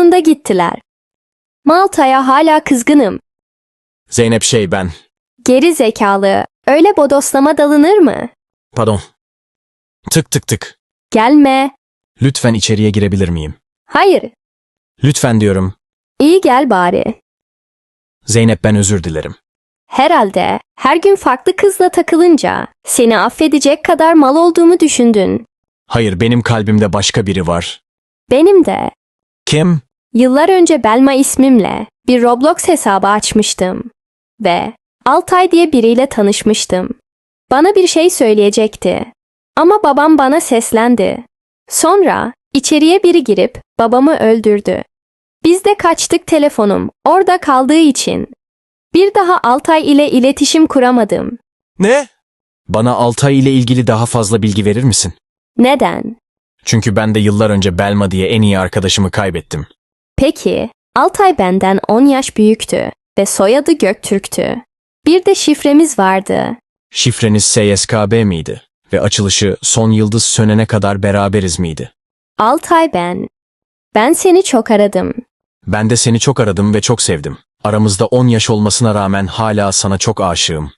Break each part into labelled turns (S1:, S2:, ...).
S1: sonunda gittiler. Malta'ya hala kızgınım.
S2: Zeynep ben.
S1: Geri zekalı. Öyle bodoslama dalınır mı?
S2: Pardon. Tık tık tık.
S1: Gelme.
S2: Lütfen içeriye girebilir miyim?
S1: Hayır.
S2: Lütfen diyorum.
S1: İyi gel bari.
S2: Zeynep ben özür dilerim.
S1: Herhalde her gün farklı kızla takılınca seni affedecek kadar mal olduğumu düşündün.
S2: Hayır benim kalbimde başka biri var.
S1: Benim de.
S2: Kim?
S1: Yıllar önce Belma ismimle bir Roblox hesabı açmıştım. Ve Altay diye biriyle tanışmıştım. Bana bir şey söyleyecekti. Ama babam bana seslendi. Sonra içeriye biri girip babamı öldürdü. Biz de kaçtık telefonum orada kaldığı için. Bir daha Altay ile iletişim kuramadım.
S2: Ne? Bana Altay ile ilgili daha fazla bilgi verir misin?
S1: Neden?
S2: Çünkü ben de yıllar önce Belma diye en iyi arkadaşımı kaybettim.
S1: Peki, Altay benden 10 yaş büyüktü ve soyadı Göktürk'tü. Bir de şifremiz vardı.
S2: Şifreniz SSKB miydi? Ve açılışı son yıldız sönene kadar beraberiz miydi?
S1: Altay ben. Ben seni çok aradım.
S2: Ben de seni çok aradım ve çok sevdim. Aramızda 10 yaş olmasına rağmen hala sana çok aşığım.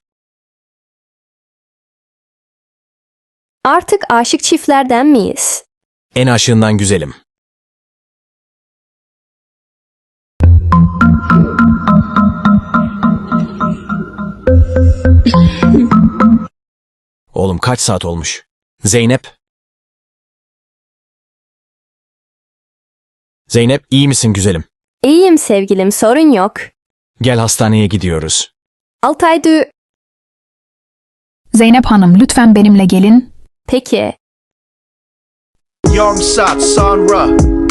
S1: Artık aşık çiftlerden miyiz?
S2: En aşığından güzelim. Oğlum kaç saat olmuş? Zeynep? Zeynep iyi misin güzelim?
S1: İyiyim sevgilim, sorun yok.
S2: Gel hastaneye gidiyoruz.
S1: Altay
S3: Zeynep Hanım lütfen benimle gelin.
S1: Peki.
S4: Young Sat Sonra.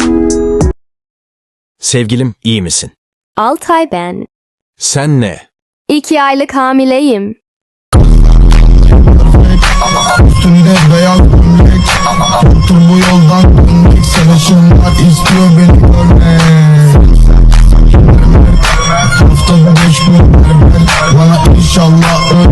S2: Sevgilim iyi misin?
S1: Altay ben.
S2: Sen ne?
S1: 2 aylık hamileyim.
S5: Üstünde beyaz gömlek. Otur bu yoldan dönmek. Savaşımlar istiyor beni görmek. Haftada 5 gün berber. Bana inşallah öyle